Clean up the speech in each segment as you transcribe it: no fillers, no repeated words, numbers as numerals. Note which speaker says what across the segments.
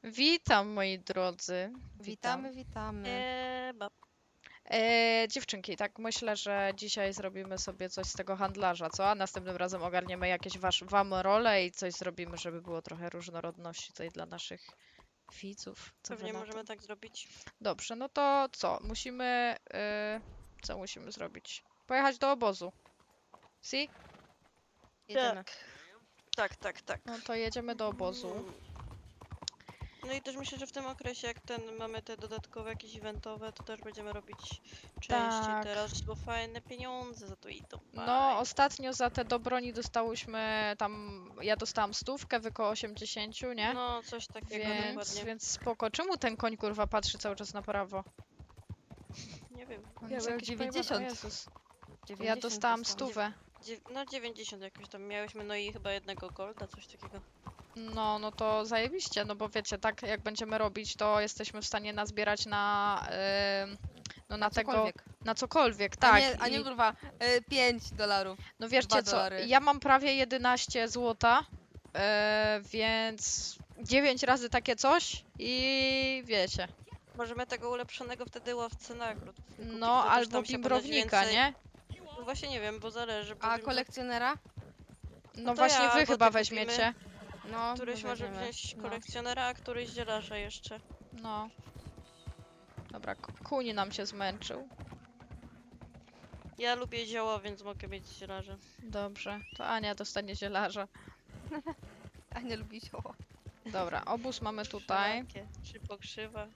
Speaker 1: Witam moi drodzy.
Speaker 2: Witamy, witamy.
Speaker 3: Bab.
Speaker 1: Dziewczynki, tak myślę, że dzisiaj zrobimy sobie coś z tego handlarza, co? A następnym razem ogarniemy jakieś wam role i coś zrobimy, żeby było trochę różnorodności tutaj dla naszych widzów. Co wy
Speaker 3: Pewnie
Speaker 1: na to?
Speaker 3: możemy tak zrobić.
Speaker 1: Dobrze, no to co? Co musimy zrobić? Pojechać do obozu. Si?
Speaker 2: Jedziemy.
Speaker 3: Tak.
Speaker 1: No to jedziemy do obozu.
Speaker 3: No i też myślę, że w tym okresie, jak mamy te dodatkowe jakieś eventowe, to też będziemy robić częściej
Speaker 1: Tak.
Speaker 3: teraz, bo fajne pieniądze za to idą.
Speaker 1: No, ostatnio za te do broni dostałyśmy tam, ja dostałam 100, wy koło 80, nie?
Speaker 3: No, coś takiego dokładnie.
Speaker 1: Więc spoko. Czemu ten koń kurwa patrzy cały czas na prawo?
Speaker 3: Nie wiem.
Speaker 1: On
Speaker 2: Ja
Speaker 1: jest
Speaker 2: miałem
Speaker 1: jakiś
Speaker 2: 90.
Speaker 1: pojebany. O Jezus. Ja
Speaker 2: 90
Speaker 1: dostałam
Speaker 2: dostałam.
Speaker 1: 100.
Speaker 3: No 90 jakoś tam miałyśmy, no i chyba jednego golda, coś takiego.
Speaker 1: No to zajebiście, no bo wiecie, tak jak będziemy robić, to jesteśmy w stanie nazbierać na, no na tego,
Speaker 2: Cokolwiek.
Speaker 1: na cokolwiek,
Speaker 2: A
Speaker 1: tak.
Speaker 2: nie, a nie
Speaker 1: I,
Speaker 2: kurwa, $5.
Speaker 1: no wiecie
Speaker 2: 2
Speaker 1: co,
Speaker 2: dolary.
Speaker 1: ja mam prawie 11 złota, więc 9 razy takie coś i wiecie.
Speaker 3: Możemy tego ulepszonego wtedy łowcę nagród kupić,
Speaker 1: No,
Speaker 3: to też
Speaker 1: albo
Speaker 3: tam się ponoć
Speaker 1: bimbrownika,
Speaker 3: więcej...
Speaker 1: nie?
Speaker 3: No właśnie nie wiem, bo zależy. Bo
Speaker 2: A
Speaker 3: wiem, że
Speaker 2: kolekcjonera?
Speaker 1: No
Speaker 3: to
Speaker 1: właśnie
Speaker 3: ja
Speaker 1: wy
Speaker 3: albo
Speaker 1: chyba
Speaker 3: ty kupimy.
Speaker 1: weźmiecie.
Speaker 2: No,
Speaker 3: Któryś
Speaker 2: no
Speaker 3: może
Speaker 2: weźmiemy.
Speaker 3: wziąć
Speaker 2: No.
Speaker 3: kolekcjonera, a któryś zielarza jeszcze.
Speaker 1: No. Dobra, kuń nam się zmęczył.
Speaker 3: Ja lubię zioła, więc mogę mieć zielarza.
Speaker 1: Dobrze, to Ania dostanie zielarza.
Speaker 2: A nie lubi zioło.
Speaker 1: Dobra, obóz mamy tutaj.
Speaker 3: Wszelakie, czy pokrzywa.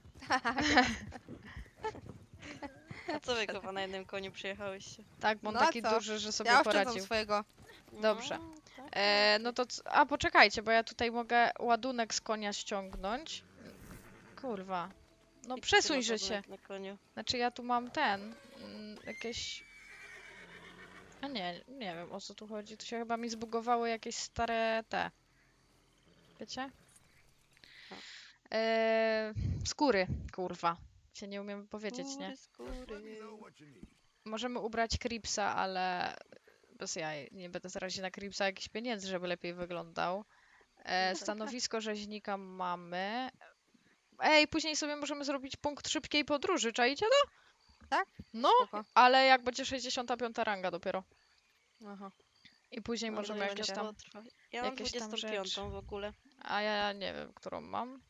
Speaker 3: A co wy chyba na jednym koniu przyjechałyście?
Speaker 1: Tak, bo on
Speaker 2: No a
Speaker 1: taki
Speaker 2: co?
Speaker 1: duży, że sobie
Speaker 2: Ja oszczędzam
Speaker 1: poradził.
Speaker 2: swojego.
Speaker 1: Dobrze.
Speaker 3: No, tak.
Speaker 1: No to. A poczekajcie, bo ja tutaj mogę ładunek z konia ściągnąć. Kurwa. No
Speaker 3: I ty
Speaker 1: przesuń
Speaker 3: masz
Speaker 1: się.
Speaker 3: ładunek na koniu.
Speaker 1: Znaczy ja tu mam jakieś. A nie wiem o co tu chodzi. Tu się chyba mi zbugowały jakieś stare te. Wiecie?
Speaker 3: A.
Speaker 1: Skóry, kurwa. Się nie umiem powiedzieć, nie?
Speaker 3: Skóry.
Speaker 1: Możemy ubrać Cripsa, ale bez jaj. Nie będę zarazić na Cripsa jakichś pieniędzy, żeby lepiej wyglądał.
Speaker 3: tak.
Speaker 1: Stanowisko rzeźnika mamy. Ej, później sobie możemy zrobić punkt szybkiej podróży, czaicie to?
Speaker 2: Tak?
Speaker 1: No,
Speaker 2: Spoko.
Speaker 1: ale jak będzie 65 ranga dopiero.
Speaker 2: Aha.
Speaker 1: I później
Speaker 3: No,
Speaker 1: możemy
Speaker 3: to
Speaker 1: jakieś
Speaker 3: jeszcze
Speaker 1: tam...
Speaker 3: potrwa. Ja mam
Speaker 1: jakieś tam
Speaker 3: 25
Speaker 1: rzeczy.
Speaker 3: w ogóle.
Speaker 1: A ja nie wiem, którą mam.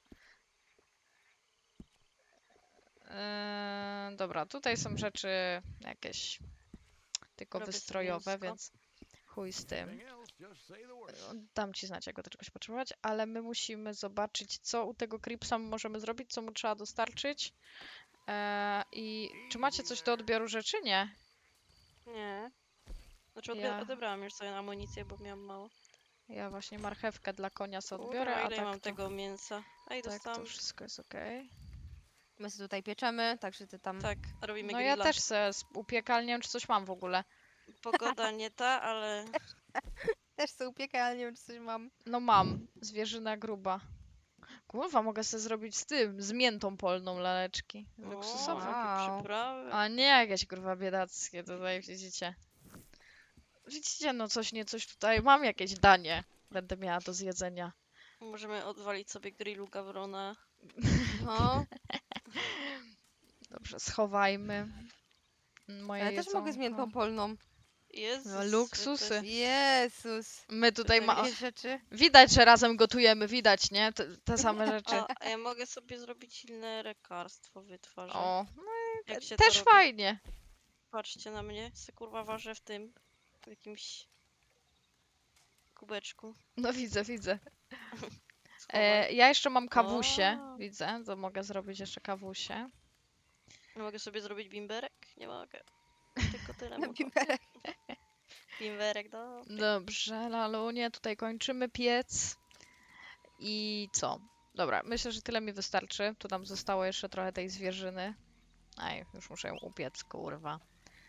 Speaker 1: Dobra, tutaj są rzeczy jakieś tylko
Speaker 3: Robię sobie
Speaker 1: wystrojowe,
Speaker 3: mięsko.
Speaker 1: więc chuj z tym. Dam ci znać, jak go do czegoś potrzebować, ale my musimy zobaczyć, co u tego Cripsa możemy zrobić, co mu trzeba dostarczyć. I czy macie coś do odbioru rzeczy? Nie.
Speaker 3: Nie. Znaczy
Speaker 1: Ja-
Speaker 3: odebrałam już sobie amunicję, bo miałam mało.
Speaker 1: Ja właśnie marchewkę dla konia sobie
Speaker 3: Kurwa,
Speaker 1: odbiorę, a
Speaker 3: ile
Speaker 1: tak
Speaker 3: mam
Speaker 1: to,
Speaker 3: tego mięsa? A i
Speaker 1: tak
Speaker 3: dostałam...
Speaker 1: to wszystko jest okej.
Speaker 2: My się tutaj pieczemy, także ty tam...
Speaker 3: Tak, robimy
Speaker 1: No ja
Speaker 3: grilla.
Speaker 1: też se upiekalnię, czy coś mam w ogóle.
Speaker 3: Pogoda nie ta, ale...
Speaker 2: Też sobie upiekaj, ale nie wiem, czy coś mam.
Speaker 1: No mam, zwierzyna gruba. Kurwa, mogę sobie zrobić z miętą polną laleczki. Luksusowe.
Speaker 3: jakie
Speaker 2: Wow.
Speaker 3: przyprawy.
Speaker 1: A nie jakieś kurwa biedackie, tutaj widzicie. Widzicie, no coś tutaj, mam jakieś danie. Będę miała do zjedzenia.
Speaker 3: Możemy odwalić sobie grillu gawrona.
Speaker 2: No,
Speaker 1: Dobrze, schowajmy moje
Speaker 2: ale też mogę z
Speaker 1: jedzonko.
Speaker 2: miętą polną.
Speaker 3: Jezus,
Speaker 1: No, luksusy.
Speaker 2: Jezus.
Speaker 1: My tutaj
Speaker 2: Takie rzeczy.
Speaker 1: Widać, że razem gotujemy, widać, nie? Te same rzeczy.
Speaker 3: A ja mogę sobie zrobić inne lekarstwo wytwarzać.
Speaker 1: O,
Speaker 3: Jak się
Speaker 1: też
Speaker 3: to robi?
Speaker 1: fajnie.
Speaker 3: Patrzcie na mnie, se kurwa ważę w tym, w jakimś kubeczku.
Speaker 1: No widzę.
Speaker 3: Schowaj.
Speaker 1: Ja jeszcze mam kawusie,
Speaker 3: O.
Speaker 1: widzę, to mogę zrobić jeszcze kawusie.
Speaker 3: Mogę sobie zrobić bimberek? Nie mogę. Tylko tyle
Speaker 2: Na
Speaker 3: mogę.
Speaker 2: bimberek.
Speaker 3: Bimberek, no.
Speaker 1: Dobrze, Lalunie, tutaj kończymy piec. I co? Dobra, myślę, że tyle mi wystarczy. Tu nam zostało jeszcze trochę tej zwierzyny. Aj, już muszę ją upiec, kurwa.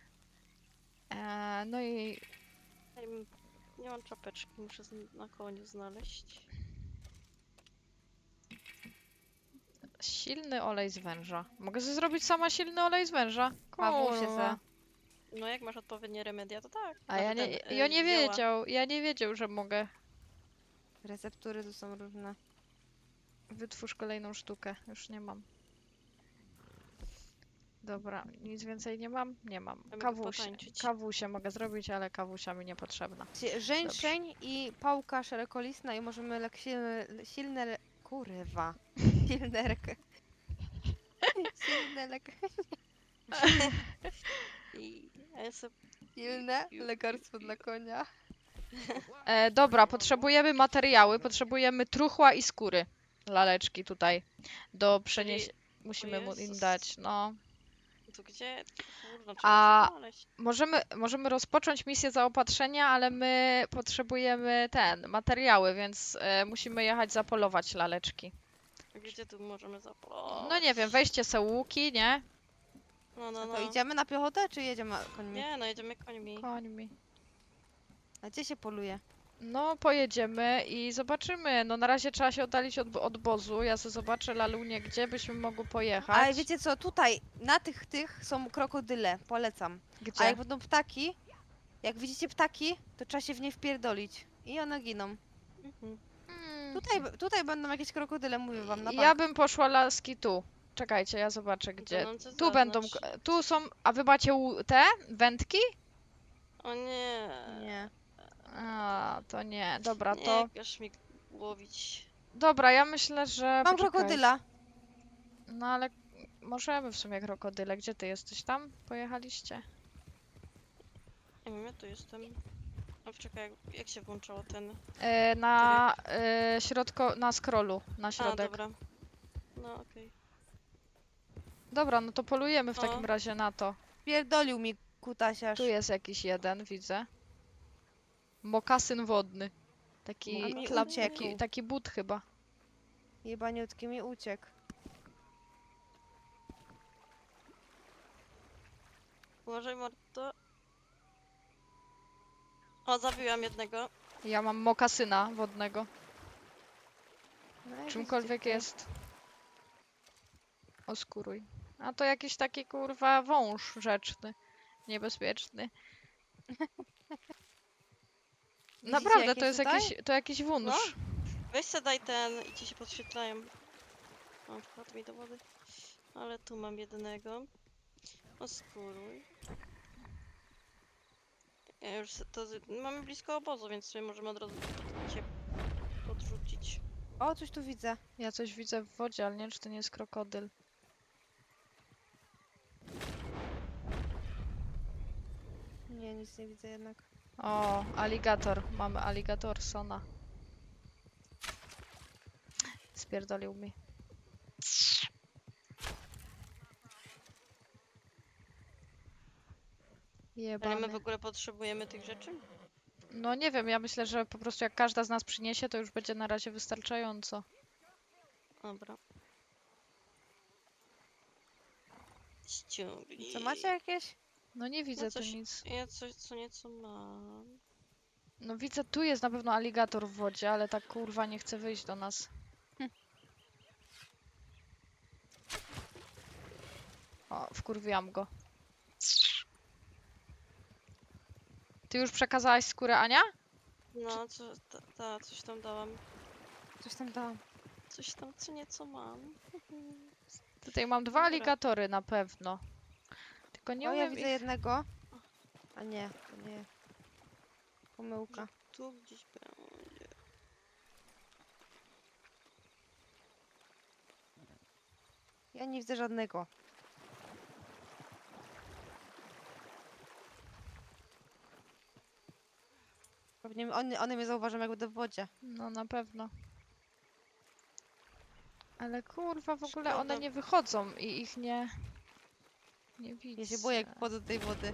Speaker 1: No i
Speaker 3: Ej, nie mam czapeczki, muszę na koniu znaleźć.
Speaker 1: silny olej z węża. Mogę sobie zrobić sama silny olej z węża?
Speaker 2: Kawusie
Speaker 1: Kurwa.
Speaker 2: se.
Speaker 3: No jak masz odpowiednie remedia, to tak.
Speaker 1: A ja
Speaker 3: Znaczy
Speaker 1: nie,
Speaker 3: ten,
Speaker 1: ja nie
Speaker 3: zioła.
Speaker 1: wiedział, że mogę.
Speaker 2: Receptury tu są różne.
Speaker 1: Wytwórz kolejną sztukę. Już nie mam. Dobra, nic więcej nie mam? Nie mam.
Speaker 3: Ja mogę
Speaker 1: Kawusie.
Speaker 3: potańczyć.
Speaker 1: Kawusie mogę zrobić, ale kawusia mi niepotrzebna.
Speaker 2: Żeńszeń i pałka szerokolistna i możemy silne... Kurwa. Silne silne
Speaker 3: A ja sobie...
Speaker 2: silne lekarstwo dla konia.
Speaker 1: Dobra, potrzebujemy materiały, potrzebujemy truchła i skóry. Laleczki tutaj. Do przeniesienia. Musimy mu im
Speaker 3: Jezus.
Speaker 1: dać, no.
Speaker 3: To gdzie? Kurwa,
Speaker 1: A-
Speaker 3: trzeba znaleźć.
Speaker 1: Możemy rozpocząć misję zaopatrzenia, ale my potrzebujemy materiały, więc musimy jechać zapolować laleczki.
Speaker 3: Gdzie tu możemy zapolować?
Speaker 1: No nie wiem, weźcie se łuki, nie?
Speaker 3: No, no,
Speaker 2: To
Speaker 3: no.
Speaker 2: idziemy na piechotę, czy jedziemy końmi?
Speaker 3: Nie, no jedziemy końmi.
Speaker 1: Końmi.
Speaker 2: A gdzie się poluje?
Speaker 1: No, pojedziemy i zobaczymy. No, na razie trzeba się oddalić od obozu. Ja sobie zobaczę, Lalunie, gdzie byśmy mogły pojechać.
Speaker 2: Ale wiecie co, tutaj, na tych są krokodyle, polecam. A
Speaker 1: Gdzie?
Speaker 2: jak będą ptaki, jak widzicie ptaki, to trzeba się w nie wpierdolić. I one giną.
Speaker 3: Mhm.
Speaker 2: Tutaj będą jakieś krokodyle, mówię wam, na
Speaker 1: Ja
Speaker 2: bank.
Speaker 1: bym poszła laski tu. Czekajcie, ja zobaczę, gdzie.
Speaker 3: Tonące
Speaker 1: Tu będą.
Speaker 3: zaznacz.
Speaker 1: Tu są. A wy macie te wędki?
Speaker 3: O nie.
Speaker 2: Nie.
Speaker 1: A, to nie. Dobra,
Speaker 3: Nie
Speaker 1: to.
Speaker 3: każ mi łowić.
Speaker 1: Dobra, ja myślę, że.
Speaker 2: Mam
Speaker 1: poczekaj.
Speaker 2: krokodyla.
Speaker 1: No ale możemy w sumie krokodyle. Gdzie ty jesteś tam? Pojechaliście?
Speaker 3: Nie wiem, ja tu jestem. A czekaj, jak się włączało ten...
Speaker 1: Na na scrollu, na
Speaker 3: A,
Speaker 1: środek.
Speaker 3: dobra. No, okej.
Speaker 1: Dobra, no to polujemy w
Speaker 3: O.
Speaker 1: takim razie na to.
Speaker 2: Pierdolił mi kutasiarz.
Speaker 1: Tu jest jakiś jeden, widzę. Mokasyn wodny.
Speaker 2: A
Speaker 1: Taki,
Speaker 2: mi
Speaker 3: uciekł.
Speaker 1: taki but chyba.
Speaker 2: Jebaniutki mi uciekł.
Speaker 3: Uważaj, Marto. O, zabiłam jednego.
Speaker 1: Ja mam mokasyna wodnego.
Speaker 2: No, jak
Speaker 1: Czymkolwiek
Speaker 2: widzicie,
Speaker 1: jest. Oskuruj. A to jakiś taki kurwa wąż rzeczny. Niebezpieczny. Naprawdę,
Speaker 2: jakieś
Speaker 1: to jest
Speaker 2: tutaj?
Speaker 1: jakiś wąż.
Speaker 3: No. Weź se daj ten i ci się podświetlają. O, wpadł mi do wody. Ale tu mam jednego. Oskuruj. Ja już mamy blisko obozu, więc sobie możemy od razu cię podrzucić.
Speaker 2: O, coś tu widzę.
Speaker 1: Ja coś widzę w wodzie, ale nie wiem, czy to nie jest krokodyl.
Speaker 2: Nie, nic nie widzę jednak.
Speaker 1: O, aligator. Mamy Alligatorsona. Spierdolił mi.
Speaker 3: Ale my w
Speaker 1: Jebany.
Speaker 3: ogóle potrzebujemy tych rzeczy?
Speaker 1: No nie wiem, ja myślę, że po prostu jak każda z nas przyniesie, to już będzie na razie wystarczająco.
Speaker 3: Dobra. Ściągnij.
Speaker 2: Co, macie jakieś?
Speaker 1: No nie widzę tu
Speaker 3: coś-
Speaker 1: nic.
Speaker 3: Ja coś co nieco mam.
Speaker 1: No widzę, tu jest na pewno aligator w wodzie, ale tak kurwa nie chce wyjść do nas. O, wkurwiłam go. Ty już przekazałaś skórę, Ania?
Speaker 3: No, coś tam dałam.
Speaker 2: Coś tam dałam.
Speaker 3: Coś tam co nieco mam.
Speaker 1: Tutaj mam dwa
Speaker 3: Dobra.
Speaker 1: aligatory na pewno. Tylko nie
Speaker 2: O, ja
Speaker 1: umiem
Speaker 2: widzę
Speaker 1: ich...
Speaker 2: jednego. A nie, to nie. Pomyłka.
Speaker 3: Tu gdzieś będzie.
Speaker 2: Ja nie widzę żadnego. Pewnie one mnie zauważą, jak będę w wodzie.
Speaker 1: No na pewno. Ale kurwa, w ogóle one
Speaker 3: Szkoda.
Speaker 1: nie wychodzą i ich nie... Nie widzę.
Speaker 2: Ja się boję, jak wchodzę do tej wody.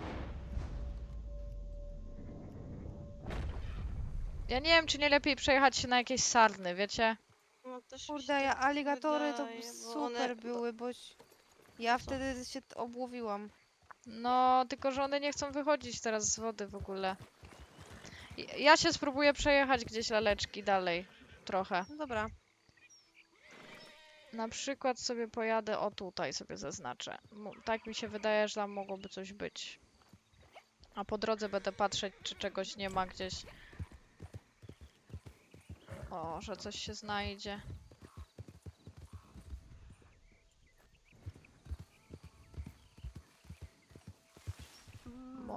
Speaker 1: Ja nie wiem, czy nie lepiej przejechać się na jakieś sarny, wiecie?
Speaker 3: No, też mi się
Speaker 2: Kurde, ja
Speaker 3: tak
Speaker 2: aligatory to
Speaker 3: wydaje, bo
Speaker 2: super
Speaker 3: one-
Speaker 2: były, ja
Speaker 3: Co?
Speaker 2: wtedy się obłowiłam.
Speaker 1: No, tylko że one nie chcą wychodzić teraz z wody w ogóle. Ja się spróbuję przejechać gdzieś laleczki dalej. Trochę.
Speaker 2: No dobra.
Speaker 1: Na przykład sobie pojadę, o tutaj sobie zaznaczę. Tak mi się wydaje, że tam mogłoby coś być. A po drodze będę patrzeć, czy czegoś nie ma gdzieś. O, że coś się znajdzie.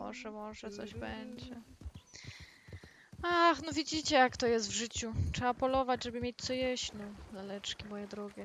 Speaker 1: Może coś będzie. Ach, no widzicie jak to jest w życiu. Trzeba polować, żeby mieć co jeść, no. Laleczki moje drogie.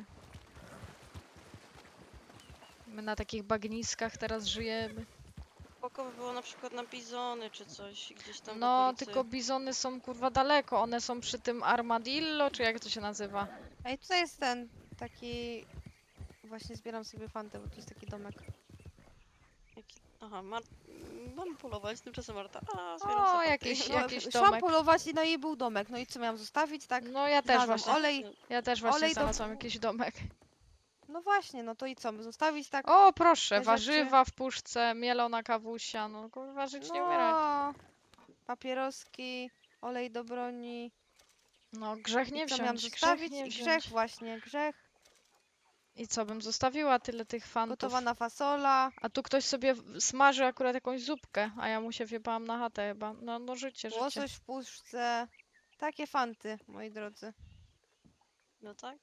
Speaker 1: My na takich bagniskach teraz żyjemy.
Speaker 3: Spoko by było na przykład na bizony czy coś gdzieś tam w
Speaker 1: No,
Speaker 3: okolicy.
Speaker 1: tylko bizony są kurwa daleko. One są przy tym armadillo, czy jak to się nazywa?
Speaker 2: Ej, tutaj jest ten taki... Właśnie zbieram sobie fantę, bo tu jest taki domek.
Speaker 3: Aha, mam polować, tymczasem Marta. A, zbieram
Speaker 1: O,
Speaker 3: sobie
Speaker 1: jakiś,
Speaker 2: No,
Speaker 1: jakiś
Speaker 2: szłam
Speaker 1: domek.
Speaker 2: polować i no i był domek. No i co miałam zostawić, tak?
Speaker 1: No ja też
Speaker 2: Znalazłam
Speaker 1: właśnie.
Speaker 2: olej.
Speaker 1: Ja też właśnie
Speaker 2: olej do-
Speaker 1: znalazłam jakiś domek.
Speaker 2: No właśnie, no to i co? Zostawić tak?
Speaker 1: O, proszę,
Speaker 2: te rzeczy.
Speaker 1: warzywa w puszce, mielona kawusia. No kurwa, żyć nie umierać.
Speaker 2: No, papieroski, olej do broni.
Speaker 1: No, grzech nie
Speaker 2: I co miałam
Speaker 1: wziąć, grzech
Speaker 2: zostawić?
Speaker 1: nie
Speaker 2: I
Speaker 1: wziąć.
Speaker 2: grzech właśnie, grzech.
Speaker 1: I co bym zostawiła tyle tych fantów?
Speaker 2: Gotowana fasola.
Speaker 1: A tu ktoś sobie smaży akurat jakąś zupkę, a ja mu się wjebałam na chatę chyba. No życie, życie.
Speaker 2: Łosoś w puszce. Takie fanty, moi drodzy.
Speaker 3: No tak.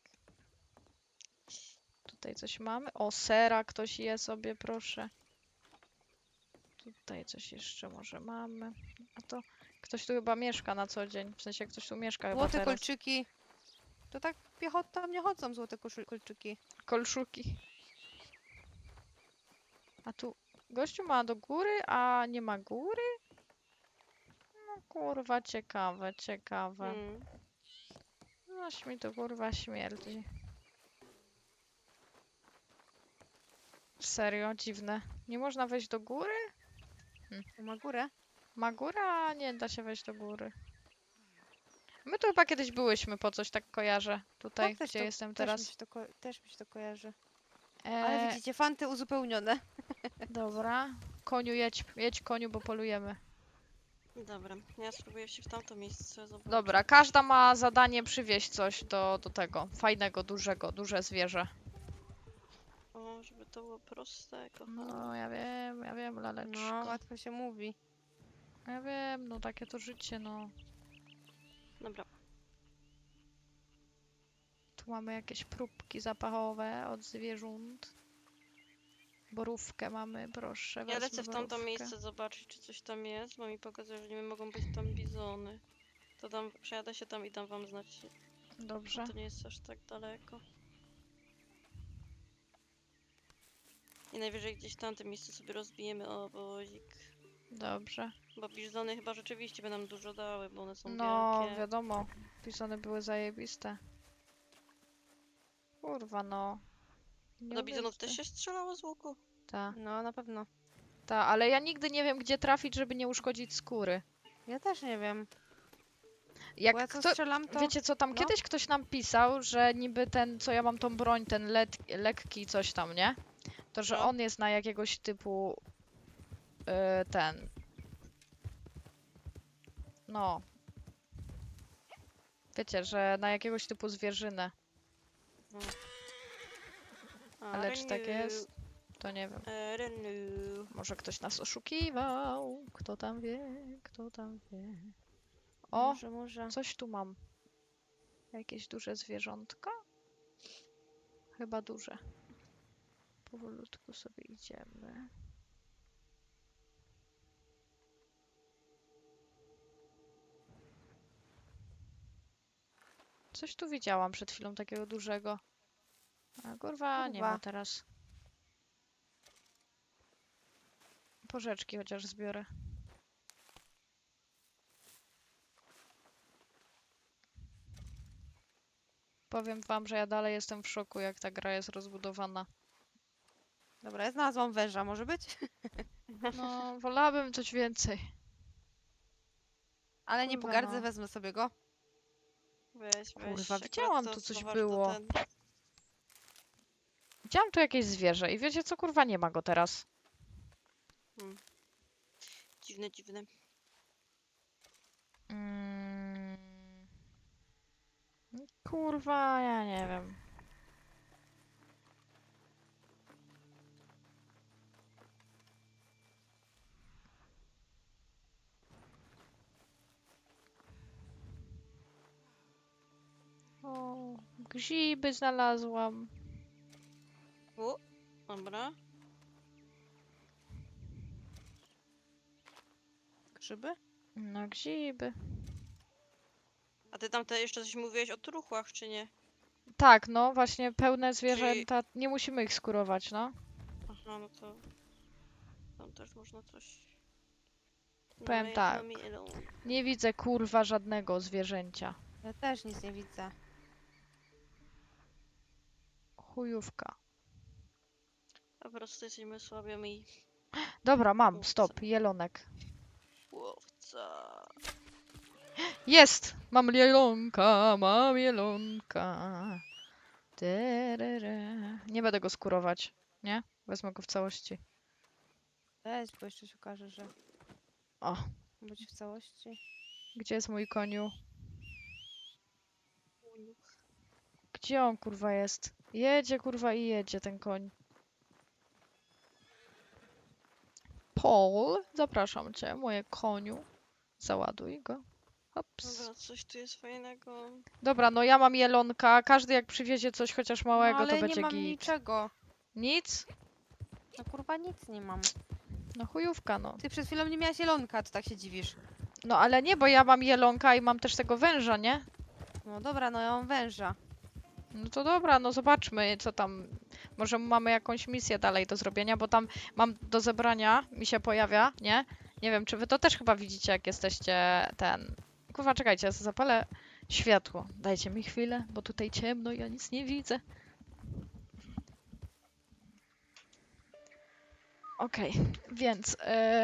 Speaker 1: Tutaj coś mamy. O, sera ktoś je sobie, proszę. Tutaj coś jeszcze może mamy. A to ktoś tu chyba mieszka na co dzień. W sensie ktoś tu mieszka chyba
Speaker 2: Złote
Speaker 1: teraz.
Speaker 2: kolczyki. To tak piechota nie chodzą złote kolczyki.
Speaker 1: Kolszuki. A tu gościu ma do góry, a nie ma góry? No kurwa, ciekawe, ciekawe. Noś mi to kurwa śmierdzi. Serio, dziwne. Nie można wejść do góry?
Speaker 2: To ma górę.
Speaker 1: Ma góra, a nie da się wejść do góry. My tu chyba kiedyś byłyśmy po coś, tak kojarzę. Tutaj,
Speaker 2: No, też
Speaker 1: gdzie
Speaker 2: to-
Speaker 1: jestem
Speaker 2: Też mi
Speaker 1: teraz.
Speaker 2: się to, też mi się to kojarzy. Ale
Speaker 1: E,
Speaker 2: widzicie, fanty uzupełnione.
Speaker 1: dobra. Koniu, jedź koniu, bo polujemy.
Speaker 3: Dobra, ja spróbuję się w tamto miejsce zobaczyć.
Speaker 1: Dobra, każda ma zadanie przywieźć coś do tego. Fajnego, duże zwierzę.
Speaker 3: O, żeby to było proste, kochane.
Speaker 1: No, ja wiem, laleczko.
Speaker 2: No, łatwo się mówi.
Speaker 1: Ja wiem, no takie to życie, no.
Speaker 3: Dobra,
Speaker 1: Tu mamy jakieś próbki zapachowe od zwierząt. Borówkę mamy, proszę,
Speaker 3: ja
Speaker 1: wezmę
Speaker 3: lecę w tamto
Speaker 1: borówkę.
Speaker 3: miejsce zobaczyć, czy coś tam jest, bo mi pokazuje, że nie mogą być tam bizony. To tam, przejadę się tam i dam wam znać.
Speaker 1: Dobrze.
Speaker 3: To nie jest aż tak daleko. I najwyżej gdzieś w tamtym miejscu sobie rozbijemy obozik.
Speaker 1: Dobrze.
Speaker 3: Bo bizony chyba rzeczywiście by nam dużo dały, bo one są
Speaker 1: No,
Speaker 3: wielkie.
Speaker 1: wiadomo. Pisane były zajebiste. Kurwa, no. Nie
Speaker 3: Do bizonów
Speaker 1: uwierzę.
Speaker 3: też się strzelało z łuku?
Speaker 1: Ta,
Speaker 2: No, na pewno.
Speaker 1: ta, ale ja nigdy nie wiem, gdzie trafić, żeby nie uszkodzić skóry.
Speaker 2: Ja też nie wiem.
Speaker 1: Jak
Speaker 2: Bo ja co
Speaker 1: kto...
Speaker 2: strzelam, to...
Speaker 1: Wiecie co, tam
Speaker 2: no.
Speaker 1: kiedyś ktoś nam pisał, że niby ten, co ja mam tą broń, ten lekki coś tam, nie? To, że
Speaker 3: No.
Speaker 1: on jest na jakiegoś typu... ten... No. Wiecie, że na jakiegoś typu zwierzynę. Ale czy tak jest? To nie wiem.
Speaker 3: Renu.
Speaker 1: Może ktoś nas oszukiwał. Kto tam wie, kto tam wie. O,
Speaker 2: Może.
Speaker 1: coś tu mam. Jakieś duże zwierzątko? Chyba duże. Powolutku sobie idziemy. Coś tu widziałam przed chwilą takiego dużego. A kurwa, nie ma
Speaker 2: Kurwa.
Speaker 1: teraz. Porzeczki chociaż zbiorę. Powiem wam, że ja dalej jestem w szoku, jak ta gra jest rozbudowana.
Speaker 2: Dobra, ja znalazłam węża, może być?
Speaker 1: No, wolałabym coś więcej.
Speaker 2: Ale nie
Speaker 1: Kurwa,
Speaker 2: pogardzę,
Speaker 1: no.
Speaker 2: wezmę sobie go.
Speaker 3: Weź,
Speaker 1: Kurwa,
Speaker 3: akurat
Speaker 1: widziałam,
Speaker 3: to
Speaker 1: tu coś
Speaker 3: zobacz,
Speaker 1: było.
Speaker 3: To ten...
Speaker 1: Widziałam tu jakieś zwierzę i wiecie co, kurwa, nie ma go teraz.
Speaker 3: Dziwne, dziwne.
Speaker 1: Mm. Kurwa, ja nie wiem. O, grzyby znalazłam.
Speaker 3: U, dobra.
Speaker 2: Grzyby?
Speaker 1: No grzyby.
Speaker 3: A ty tam jeszcze coś mówiłeś o truchłach, czy nie?
Speaker 1: Tak, no właśnie pełne zwierzęta, nie musimy ich skurować, no.
Speaker 3: Aha, no to... Tam też można coś...
Speaker 1: Powiem
Speaker 3: No,
Speaker 1: tak.
Speaker 3: me alone.
Speaker 1: Nie widzę kurwa żadnego zwierzęcia.
Speaker 2: Ja też nic nie widzę.
Speaker 1: Chujówka.
Speaker 3: Po prostu jesteśmy słabiami.
Speaker 1: Dobra, mam,
Speaker 3: Łowca.
Speaker 1: stop, jelonek.
Speaker 3: Łowca.
Speaker 1: Jest! Mam jelonka, mam jelonka. Terere. Nie będę go skurować, nie? Wezmę go w całości.
Speaker 2: Weź, bo jeszcze się okaże, że
Speaker 1: O,
Speaker 2: być w całości.
Speaker 1: gdzie jest mój koniu? Gdzie on kurwa jest? Jedzie kurwa i jedzie ten koń. Paul, zapraszam cię, moje koniu. Załaduj go. Hops.
Speaker 3: Dobra, coś tu jest fajnego.
Speaker 1: Dobra, no ja mam jelonka. Każdy jak przywiezie coś chociaż
Speaker 2: No
Speaker 1: małego,
Speaker 2: ale
Speaker 1: to
Speaker 2: nie
Speaker 1: będzie
Speaker 2: mam
Speaker 1: git.
Speaker 2: niczego.
Speaker 1: Nic?
Speaker 2: No kurwa nic nie mam.
Speaker 1: No chujówka, no.
Speaker 2: Ty przed chwilą nie miałaś jelonka, to tak się dziwisz.
Speaker 1: No ale nie, bo ja mam jelonka i mam też tego węża, nie?
Speaker 2: No dobra, no ja mam węża.
Speaker 1: No to dobra, no zobaczmy, co tam. Może mamy jakąś misję dalej do zrobienia, bo tam mam do zebrania, mi się pojawia, nie? Nie wiem, czy wy to też chyba widzicie, jak jesteście ten. Kurwa, czekajcie, ja zapalę światło. Dajcie mi chwilę, bo tutaj ciemno, ja nic nie widzę. Okej, więc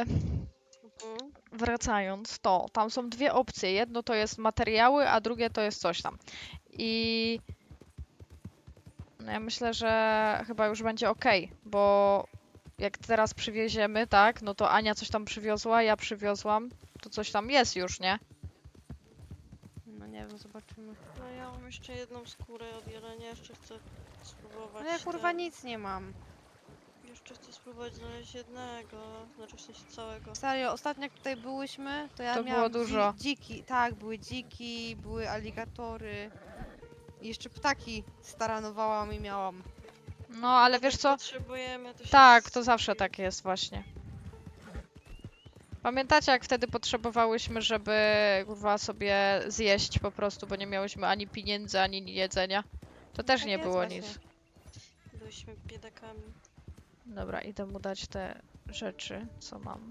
Speaker 1: wracając, to tam są dwie opcje. Jedno to jest materiały, a drugie to jest coś tam. I no ja myślę, że chyba już będzie ok, bo jak teraz przywieziemy, tak, no to Ania coś tam przywiozła, ja przywiozłam, to coś tam jest już, nie?
Speaker 2: No nie wiem, zobaczymy.
Speaker 3: No ja mam jeszcze jedną skórę od jelenia, jeszcze chcę spróbować.
Speaker 2: No ja kurwa
Speaker 3: ten-
Speaker 2: nic nie mam.
Speaker 3: Jeszcze chcę spróbować znaleźć jednego, znaczy w sensie całego.
Speaker 2: Serio, ostatnio jak tutaj byłyśmy, to ja
Speaker 1: To było
Speaker 2: miałam
Speaker 1: dużo.
Speaker 2: dziki. Tak, były dziki, były aligatory. I jeszcze ptaki staranowałam i miałam.
Speaker 1: No, ale
Speaker 3: No
Speaker 1: wiesz
Speaker 3: tak
Speaker 1: co?
Speaker 3: Potrzebujemy, to się
Speaker 1: Tak, to zawsze tak jest właśnie. Pamiętacie, jak wtedy potrzebowałyśmy, żeby kurwa sobie zjeść po prostu, bo nie miałyśmy ani pieniędzy, ani jedzenia? To też
Speaker 2: tak
Speaker 1: nie
Speaker 2: jest
Speaker 1: było
Speaker 2: właśnie.
Speaker 1: nic.
Speaker 3: Byliśmy biedakami.
Speaker 1: Dobra, idę mu dać te rzeczy, co mam.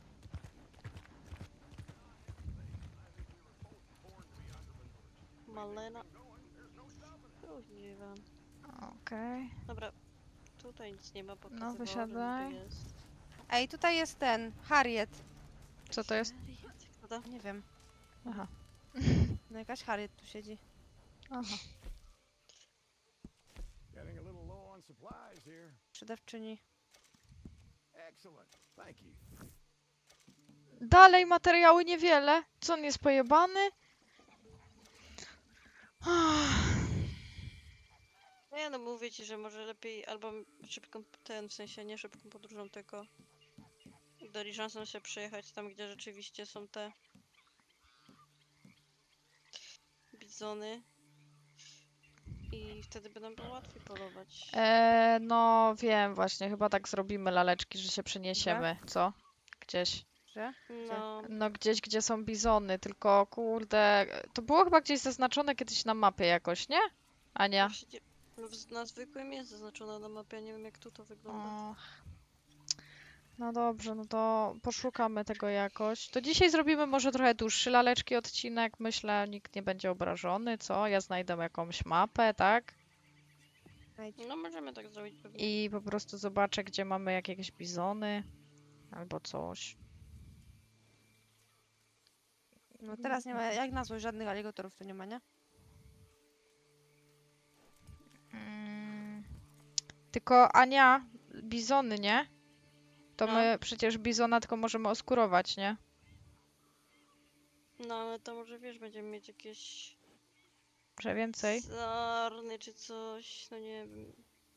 Speaker 3: Malena. Używam.
Speaker 1: Okej.
Speaker 3: Dobra, tutaj nic nie ma, pokazywało, że
Speaker 1: wysiadaj.
Speaker 3: niby jest.
Speaker 2: Ej, tutaj jest ten, Harriet.
Speaker 1: Co to jest?
Speaker 3: Co to?
Speaker 2: Nie wiem,
Speaker 1: Aha.
Speaker 2: no jakaś Harriet tu siedzi.
Speaker 1: Aha.
Speaker 4: Getting a little low on supplies here.
Speaker 2: Sprzedawczyni.
Speaker 4: Excellent. Thank you.
Speaker 1: Dalej materiały niewiele. Co on jest pojebany?
Speaker 3: Nie no, mówię ci, że może lepiej albo szybką, w sensie nie szybką podróżą, tylko diligencem się przejechać tam, gdzie rzeczywiście są te bizony i wtedy by nam było łatwiej polować.
Speaker 1: No wiem właśnie, chyba tak zrobimy laleczki, że się przeniesiemy, co? Gdzieś.
Speaker 2: Że?
Speaker 3: No,
Speaker 1: No gdzieś, gdzie są bizony, tylko kurde, to było chyba gdzieś zaznaczone kiedyś na mapie jakoś, nie? Ania?
Speaker 3: właśnie no, na zwykłym jest zaznaczona na mapie, ja nie wiem jak tu to wygląda.
Speaker 1: Och. No dobrze, no to poszukamy tego jakoś. To dzisiaj zrobimy może trochę dłuższy laleczki odcinek, myślę, nikt nie będzie obrażony, co? Ja znajdę jakąś mapę, tak?
Speaker 2: Znajdź.
Speaker 3: No możemy tak zrobić pewnie.
Speaker 1: I po prostu zobaczę, gdzie mamy jakieś bizony albo coś.
Speaker 2: No teraz nie ma, jak na złość, żadnych aligatorów tu nie ma, nie?
Speaker 1: Tylko Ania, bizony, nie? To
Speaker 3: No.
Speaker 1: my przecież bizona tylko możemy oskurować, nie?
Speaker 3: No ale to może wiesz, będziemy mieć jakieś
Speaker 1: Że więcej?
Speaker 3: sarny czy coś, no nie wiem.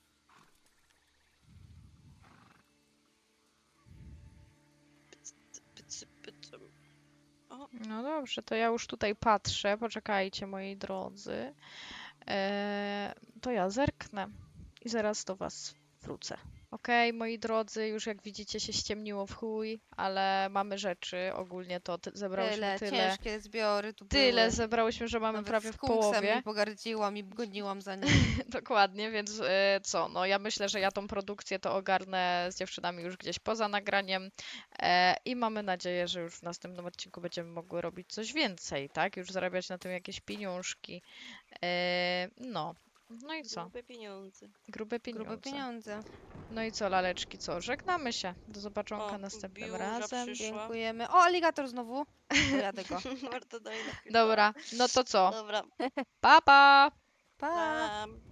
Speaker 3: O,
Speaker 1: No dobrze, to ja już tutaj patrzę. Poczekajcie, moi drodzy. To ja zerknę i zaraz do was wrócę. Okej, moi drodzy, już jak widzicie się ściemniło w chuj, ale mamy rzeczy, ogólnie to zebrałyśmy tyle,
Speaker 2: ciężkie zbiory tu
Speaker 1: tyle
Speaker 2: były.
Speaker 1: zebrałyśmy, że mamy
Speaker 2: Nawet
Speaker 1: prawie w
Speaker 2: skunksem
Speaker 1: połowie.
Speaker 2: nie pogardziłam i goniłam za nim.
Speaker 1: Dokładnie, więc co, no ja myślę, że ja tą produkcję to ogarnę z dziewczynami już gdzieś poza nagraniem i mamy nadzieję, że już w następnym odcinku będziemy mogły robić coś więcej, tak? Już zarabiać na tym jakieś pieniążki. No. No i co?
Speaker 3: Grube pieniądze.
Speaker 1: Grube
Speaker 2: Grube
Speaker 1: pieniądze.
Speaker 2: pieniądze.
Speaker 1: No i co, laleczki, co? Żegnamy się. Do zobaczonka
Speaker 3: O,
Speaker 1: następnym
Speaker 3: biurza
Speaker 1: razem.
Speaker 3: przyszła.
Speaker 2: Dziękujemy. O, aligator znowu. Dojadę go.
Speaker 3: Warto dalej na chwilę.
Speaker 1: Dobra, no to co?
Speaker 3: Dobra.
Speaker 1: Pa, pa!
Speaker 2: Pa!
Speaker 3: Pa.